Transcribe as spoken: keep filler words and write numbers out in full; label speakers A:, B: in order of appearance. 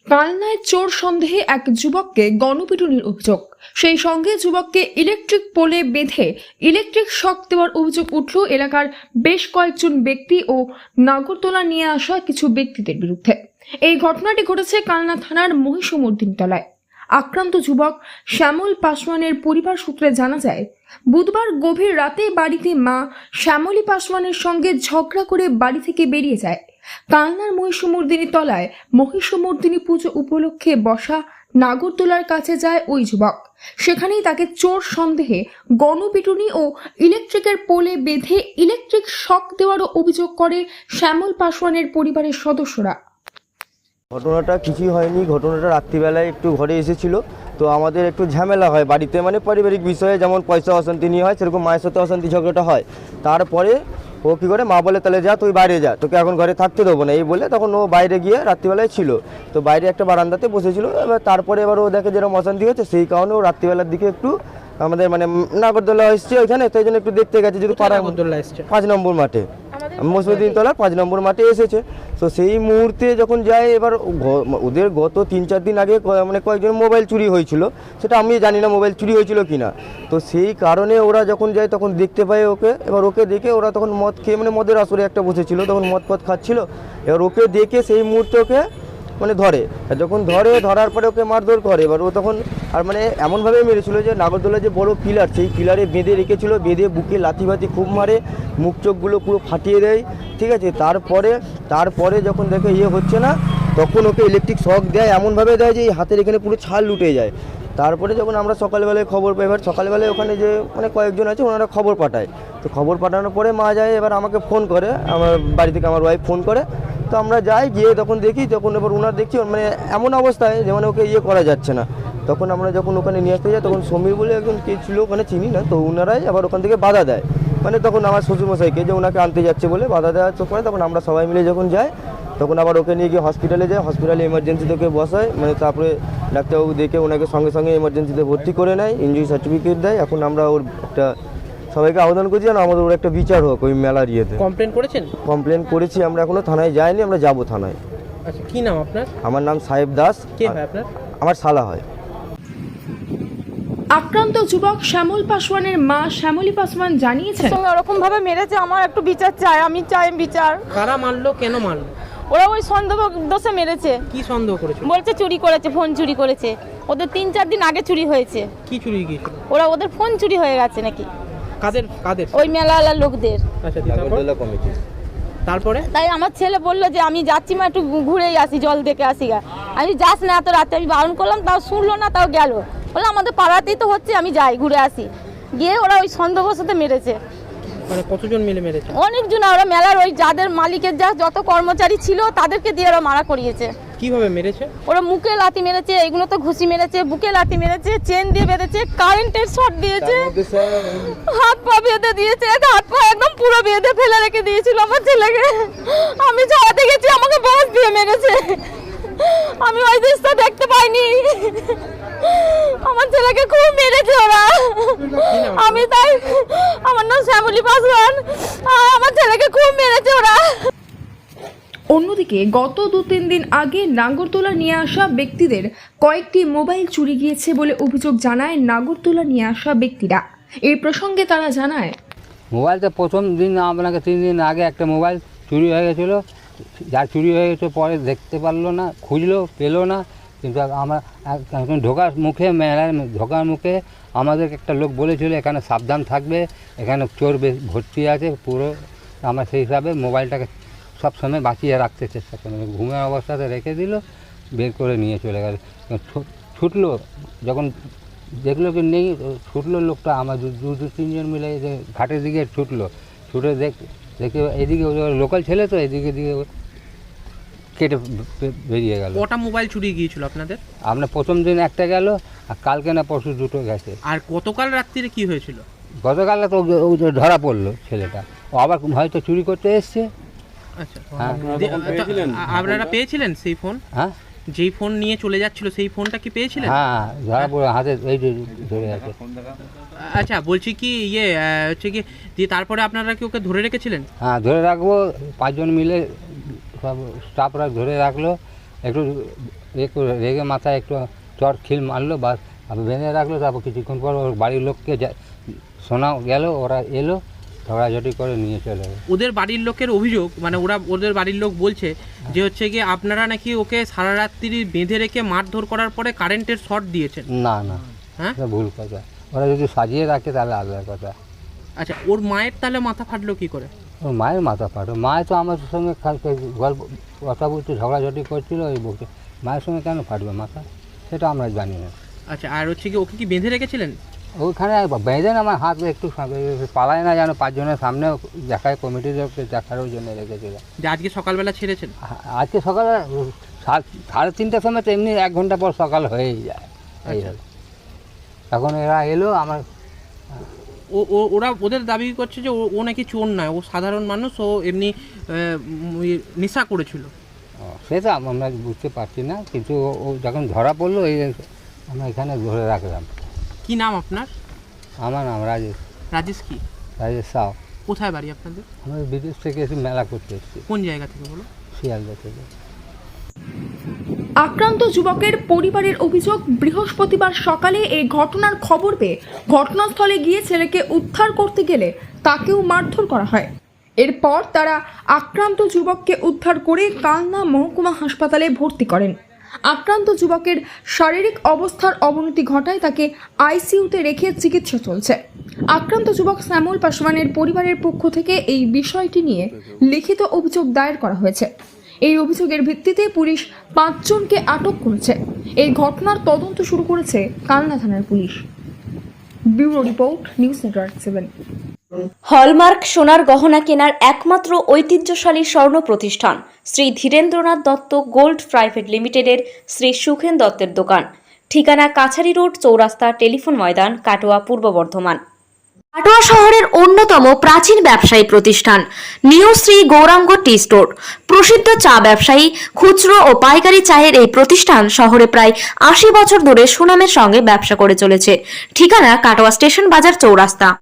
A: কালনায় চোর সন্দেহে এক যুবককে গণপিটুনির অভিযোগ, সেই সঙ্গে যুবককে ইলেকট্রিক পোলে বেঁধে ইলেকট্রিক শক দেওয়ার অভিযোগ উঠল এলাকার বেশ কয়েকজন ব্যক্তি ও নাগরদোলা নিয়ে আসা কিছু ব্যক্তিদের বিরুদ্ধে। এই ঘটনাটি ঘটেছে কালনা থানার মহিষমর্দিনীতলায়। আক্রান্ত যুবক শ্যামল পাসওয়ানের পরিবার সূত্রে জানা যায়, বুধবার গভীর রাতে বাড়িতে মা শ্যামলী পাসওয়ানের সঙ্গে ঝগড়া করে বাড়ি থেকে বেরিয়ে যায়। কালনার মহিষমর্দিনী তলায় মহিষমর্দিনী পুজো উপলক্ষে বসা নাগরদোলার কাছে যায় ওই যুবক। সেখানেই তাকে চোর সন্দেহে গণপিটুনি ও ইলেকট্রিকের পোলে বেঁধে ইলেকট্রিক শক দেওয়ারও অভিযোগ করে শ্যামল পাসওয়ানের পরিবারের সদস্যরা।
B: ঘটনাটা কিছুই হয়নি। ঘটনাটা রাত্রিবেলায় একটু ঘরে এসেছিল, তো আমাদের একটু ঝামেলা হয় বাড়িতে, মানে পারিবারিক বিষয়ে, যেমন পয়সা অশান্তি নিয়ে হয়, সেরকম মায়ের সাথে অশান্তি ঝগড়াটা হয়। তারপরে ও কী করে, মা বলে তাহলে যা তুই বাইরে যা, তোকে এখন ঘরে থাকতে দেবো না, এই বলে তখন ও বাইরে গিয়ে রাত্রিবেলায় ছিল, তো বাইরে একটা বারান্দাতে বসেছিল। এবার তারপরে এবার ও দেখে যেরকম অশান্তি হচ্ছে, সেই কারণে ও রাত্রিবেলার দিকে একটু আমাদের মানে নাগরদোলা এসছে ওইখানে, তাই জন্য একটু দেখতে গেছে। যদি পাড়া পাঁচ নম্বর মাঠে, মহিষমর্দিনীতলার পাঁচ নম্বর মাঠে এসেছে। তো সেই মুহূর্তে যখন যায়, এবার ওদের গত তিন চার দিন আগে মানে কয়েকজন মোবাইল চুরি হয়েছিল, সেটা আমি জানি না মোবাইল চুরি হয়েছিল কিনা। তো সেই কারণে ওরা যখন যায় তখন দেখতে পায় ওকে। এবার ওকে দেখে ওরা তখন মদ খেয়ে, মানে মদের আসরে একটা বসেছিল, তখন মদ পদ খাচ্ছিল। এবার ওকে দেখে সেই মুহূর্তে ওকে মানে ধরে, আর যখন ধরে ধরার পরে ওকে মারধর করে। এবার ও তখন আর মানে এমনভাবে মেরেছিল যে নাগরদোলা যে বড় পিলার, সেই পিলারে বেঁধে রেখেছিল, বেঁধে বুকে লাথি বাতি খুব মারে, মুখ চোখগুলো পুরো ফাটিয়ে দেয়, ঠিক আছে। তারপরে তারপরে যখন দেখে ইয়ে হচ্ছে না, তখন ওকে ইলেকট্রিক শক দেয়, এমনভাবে দেয় যে এই হাতের এখানে পুরো ছাল লুটে যায়। তারপরে যখন আমরা সকালবেলায় খবর পাই, এবার সকালবেলায় ওখানে যে মানে কয়েকজন আছে ওনারা খবর পাঠায়, তো খবর পাঠানোর পরে মা যায়, এবার আমাকে ফোন করে, আমার বাড়ি থেকে আমার ওয়াইফ ফোন করে, তো আমরা যাই, গিয়ে তখন দেখি, তখন এবার ওনার দেখছি মানে এমন অবস্থায় যে মানে ওকে ইয়ে করা যাচ্ছে না। তখন আমরা যখন ওখানে নিয়ে আসতে যাই, তখন সমীর বলে একজন কে ছিল ওখানে, চিনি না, তো ওনারাই আবার ওখান থেকে বাধা দেয়, মানে তখন আমার শ্বশুরমশাইকে যে ওনাকে আনতে যাচ্ছে বলে বাধা দেওয়ার চোখ পরে, তখন আমরা সবাই মিলে যখন যাই, তখন আবার ওকে নিয়ে গিয়ে হসপিটালে যায়। হসপিটালে এমার্জেন্সিতে ওকে বসায়, মানে তারপরে ডাক্তারবাবু দেখে ওনাকে সঙ্গে সঙ্গে এমার্জেন্সিতে ভর্তি করে নেয়, ইনজুরি সার্টিফিকেট দেয়। এখন আমরা ওর একটা সবাইকে আবেদন করছি যেন আমাদের ওর একটা বিচার হোক ওই মেলার ইয়েতে।
C: কমপ্লেন করেছেন?
B: কমপ্লেন করেছি আমরা, এখনো থানায় যাইনি, আমরা যাব থানায়।
C: আচ্ছা, কি নাম আপনার?
B: আমার নাম সাহেব দাস।
C: কে হয় আপনার?
B: আমার শালা হয়।
A: আক্রান্ত যুবক শ্যামল পাসওয়ানের মা শ্যামলী পাসওয়ান জানিয়েছেন,
D: ওরকম ভাবে মেরেছে, আমার একটু বিচার চাই, আমি চাই বিচার।
C: কারা মারলো, কেন মারলো?
D: ওরা ওই সন্দেহ দোষে মেরেছে।
C: কি সন্দেহ করেছে?
D: বলছে চুরি করেছে, ফোন চুরি করেছে। ওদের তিন চার দিন আগে চুরি হয়েছে।
C: কি চুরি গিয়েছিল?
D: ওরা ওদের ফোন চুরি হয়ে গেছে নাকি।
C: কাদের কাদের?
D: ওই মেলাওয়ালা লোকদের।
C: আচ্ছা, নাগরদোলা কমিটি। তারপরে
D: তাই আমার ছেলে বললো যে আমি যাচ্ছি মা, একটু ঘুরেই আসি, জল দেখে আসি গা। আমি যাস না এত রাতে, আমি বারণ করলাম, তাও শুনলো না, তাও গেল। বললাম আমাদের পাড়াতেই তো হচ্ছে, আমি যাই ঘুরে আসি। গিয়ে ওরা ওই সন্দেহবশত মেরেছে।
C: মানে কতজন মিলে মেরেছে?
D: অনেকজন। ওরা মেলার ওই যাদের মালিকের যা যত কর্মচারী ছিল তাদেরকে দিয়ে ওরা মারা করিয়েছে।
C: কিভাবে মেরেছে?
D: ওরা মুখে লাথি মেরেছে, এগুলো তো ঘুষি মেরেছে, বুকে লাথি মেরেছে, চেন দিয়ে বেঁধেছে, কারেন্টের শর্ট দিয়েছে, হাত পা বেঁধে দিয়েছে, হাত পা একদম পুরো বেঁধে ফেলে রেখে দিয়েছিল আমার ছেলেকে। আমি ছাড়াতে গেছি, আমাকে বাস দিয়ে মেরেছে। আমি ওই দৃশ্য দেখতে পাইনি। আমার ছেলেকে খুব মেরেছে ওরা। আমি তাই, আমার নাম শ্যামলী পাসওয়ান, আমার ছেলেকে খুব মেরেছে ওরা।
A: অন্যদিকে গত দু তিন দিন আগে নাগরদোলা নিয়ে আসা ব্যক্তিদের কয়েকটি মোবাইল চুরি গিয়েছে বলে অভিযোগ জানায় নাগরদোলা নিয়ে আসা ব্যক্তিরা। এই প্রসঙ্গে তারা জানায়,
E: মোবাইলটা প্রথম দিন আপনাকে তিন দিন আগে একটা মোবাইল চুরি হয়ে গেছিলো, যা চুরি হয়ে গেছে পরে দেখতে পারলো না, খুঁজলো পেলো না, কিন্তু আমরা এখন ঢোকার মুখে মেলার ঢোকার মুখে আমাদের একটা লোক বলেছিল এখানে সাবধান থাকবে, এখানে চোর ভর্তি আছে পুরো। আমরা সেই হিসাবে মোবাইলটাকে সব সময় বাঁচিয়ে রাখতে চেষ্টা করি, ঘুমের অবস্থাতে রেখে দিল, বের করে নিয়ে চলে গেল। ছুটলো, যখন দেখলো কি নেই, ছুটলো লোকটা, আমার দু দু তিনজন মিলে যে ঘাটের দিকে ছুটলো, ছুটে দেখ দেখে এদিকে লোকাল ছেলে তো এদিকে দিকে কেটে বেরিয়ে গেল।
C: কটা মোবাইল চুরি গিয়েছিল আপনাদের?
E: আপনার প্রথম দিন একটা গেল, আর কালকে না পরশু দুটো গেছে।
C: আর গতকাল রাত্রিরে কি হয়েছিল?
E: গতকালে তো ধরা পড়লো ছেলেটা, ও আবার হয়তো চুরি করতে এসছে।
C: আচ্ছা,
E: হ্যাঁ।
C: আপনারা পেয়েছিলেন সেই ফোন?
E: হ্যাঁ,
C: যেই ফোন নিয়ে চলে যাচ্ছিল সেই ফোনটা কি পেয়েছিলেন?
E: হ্যাঁ, ধরা পড়ে হাতে এই যে ধরে আছে।
C: আচ্ছা, বলছি কি ইয়ে হচ্ছে কি দিয়ে তারপরে আপনারা কি ওকে ধরে রেখেছিলেন?
E: হ্যাঁ, ধরে রাখবো, পাঁচজন মিলে সব স্টাফরা ধরে রাখলো, একটু একটু রেগে মাথায় একটু চট খিল মারলো, বা বেঁধে রাখলো। তারপর কিছুক্ষণ পর ওর বাড়ির লোককে যা- শোনা গেল, ওরা এলো, ঝগড়াঝাটি করে নিয়ে চলে গেলো।
C: ওদের বাড়ির লোকের অভিযোগ, মানে ওরা ওদের বাড়ির লোক বলছে যে হচ্ছে কি আপনারা নাকি ওকে সারা রাত্রি বেঁধে রেখে মারধর করার পরে কারেন্টের শর্ট দিয়েছেন।
E: না না,
C: হ্যাঁ,
E: এটা ভুল কথা। ওরা যদি সাজিয়ে রাখে তাহলে আলাদা কথা।
C: আচ্ছা, ওর মায়ের তাহলে মাথা ফাটলো কি করে?
E: ওর মায়ের মাথা ফাটো, মায়ের তো আমার সঙ্গে খালি গল্প কথা বলতে ঝগড়াঝাটি করছিল ওই বলতে, মায়ের সঙ্গে কেন ফাটবে মাথা সেটা আমরা জানি না।
C: আচ্ছা, আর হচ্ছে কি ওকে কি বেঁধে রেখেছিলেন?
E: ওইখানে বেঁধে না আমার হাত একটু পালায় না, যেন পাঁচজনের সামনে দেখায়, কমিটির লোককে দেখারও জন্য রেখেছিল।
C: যে আজকে সকালবেলা ছেড়েছেন?
E: আ- আজকে সকালে সাত সাড়ে তিনটার সময় তো এমনি এক ঘন্টা পর সকাল হয়েই যায়। এই হলো। তখন এরা এলো আমার,
C: ও ও- ওরা ওদের দাবি করছে যে ও ও নাকি চোর নয়, ও সাধারণ মানুষ, ও এমনি আহ, উম, ওই নেশা করেছিল।
E: ও, সেটা আমরা বুঝতে পারছি না, কিন্তু ও- ও যখন ধরা পড়লো এই আমরা এখানে ধরে রাখলাম।
C: কি নাম আপনার?
E: আমার নাম রাজেশ,
C: রাজেশ কি?
E: রাজেশ সাউ।
C: কোথায় বাড়ি আপনাদের?
E: আমরা বিদেশ থেকে এসে মেলা করতে এসেছি,
C: কোন জায়গা থেকে বলো?
E: শিয়ালদা থেকে।
A: আক্রান্ত যুবকের পরিবারের অভিযোগ, বৃহস্পতিবার সকালে এই ঘটনার খবর পেয়ে ঘটনাস্থলে গিয়ে ছেলেকে উদ্ধার করতে গেলে তাকেও মারধর করা হয়। এরপর তারা আক্রান্ত যুবককে উদ্ধার করে কালনা মহকুমা হাসপাতালে ভর্তি করেন। আক্রান্ত যুবকের শারীরিক অবস্থার অবনতি ঘটায় তাকে আইসিইউতে রেখে চিকিৎসা চলছে। আক্রান্ত যুবক শ্যামল পাসওয়ানের পরিবারের পক্ষ থেকে এই বিষয়টি নিয়ে লিখিত অভিযোগ দায়ের করা হয়েছে। এই অভিযোগের ভিত্তিতে পুলিশ পাঁচজনকে আটক করেছে। এই ঘটনার তদন্ত শুরু করেছে কালনা থানার পুলিশ। Bureau report, news network seven.
F: Hallmark সোনার গহনা কেনার একমাত্র ঐতিহ্যশালী স্বর্ণ প্রতিষ্ঠান শ্রী ধীরেন্দ্রনাথ দত্ত গোল্ড প্রাইভেট লিমিটেডের শ্রী সুখেন দত্তের দোকান। ঠিকানা কাছারি রোড, চৌরাস্তা, টেলিফোন ময়দান, কাটোয়া, পূর্ব বর্ধমান। কাটোয়া শহরের অন্যতম প্রাচীন ব্যবসায়ী প্রতিষ্ঠান new Shri Gouranga tea store. প্রসিদ্ধ চা ব্যবসায়ী, খুচরো ও পাইকারি চায়ের এই প্রতিষ্ঠান শহরে প্রায় আশি বছর ধরে সুনামের সঙ্গে ব্যবসা করে চলেছে। ঠিকানা কাটোয়া স্টেশন বাজার, চৌরাস্তা।